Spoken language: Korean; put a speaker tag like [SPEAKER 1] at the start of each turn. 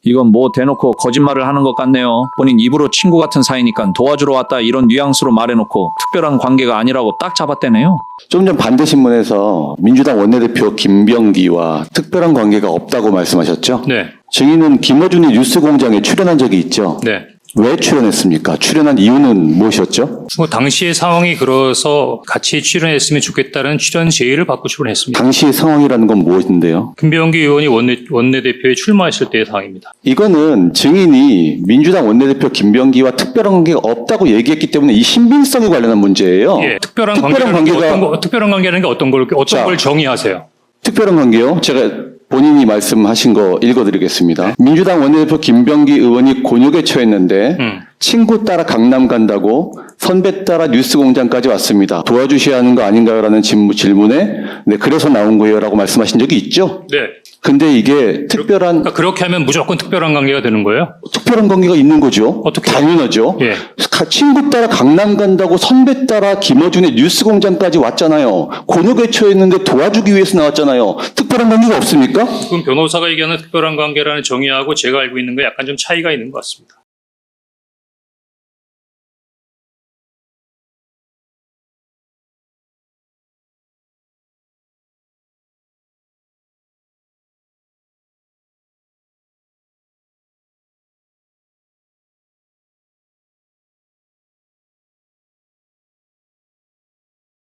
[SPEAKER 1] 이건 뭐 대놓고 거짓말을 하는 것 같네요. 본인 입으로 친구 같은 사이니까 도와주러 왔다 이런 뉘앙스로 말해놓고 특별한 관계가 아니라고 딱 잡았대네요.
[SPEAKER 2] 좀 전 반대신문에서 민주당 원내대표 김병기와 특별한 관계가 없다고 말씀하셨죠?
[SPEAKER 3] 네.
[SPEAKER 2] 증인은 김어준이 뉴스공장에 출연한 적이 있죠?
[SPEAKER 3] 네.
[SPEAKER 2] 왜 출연했습니까? 출연한 이유는 무엇이었죠?
[SPEAKER 3] 뭐 당시의 상황이 그래서 같이 출연했으면 좋겠다는 출연 제의를 받고 출연했습니다.
[SPEAKER 2] 당시의 상황이라는 건 무엇인데요?
[SPEAKER 3] 김병기 의원이 원내대표에 출마했을 때의 상황입니다.
[SPEAKER 2] 이거는 증인이 민주당 원내대표 김병기와 특별한 관계가 없다고 얘기했기 때문에 이 신빙성에 관련한 문제예요.
[SPEAKER 3] 예, 특별한
[SPEAKER 2] 특별한
[SPEAKER 3] 관계가 특별한 관계라는 게 어떤 걸
[SPEAKER 2] 자,
[SPEAKER 3] 정의하세요?
[SPEAKER 2] 특별한 관계요? 제가 본인이 말씀하신 거 읽어드리겠습니다. 민주당 원내대표 김병기 의원이 곤욕에 처했는데 친구 따라 강남 간다고 선배 따라 뉴스공장까지 왔습니다. 도와주셔야 하는 거 아닌가요?라는 질문에 네, 그래서 나온 거예요 라고 말씀하신 적이 있죠?
[SPEAKER 3] 네.
[SPEAKER 2] 근데 이게
[SPEAKER 3] 그러니까 그렇게 하면 무조건 특별한 관계가 되는 거예요?
[SPEAKER 2] 특별한 관계가 있는 거죠.
[SPEAKER 3] 어떻게?
[SPEAKER 2] 당연하죠.
[SPEAKER 3] 예.
[SPEAKER 2] 친구 따라 강남 간다고 선배 따라 김어준의 뉴스공장까지 왔잖아요. 곤욕에 처했는데 도와주기 위해서 나왔잖아요. 특별한 관계가 없습니까?
[SPEAKER 3] 그럼 변호사가 얘기하는 특별한 관계라는 정의하고 제가 알고 있는 거 약간 좀 차이가 있는 것 같습니다.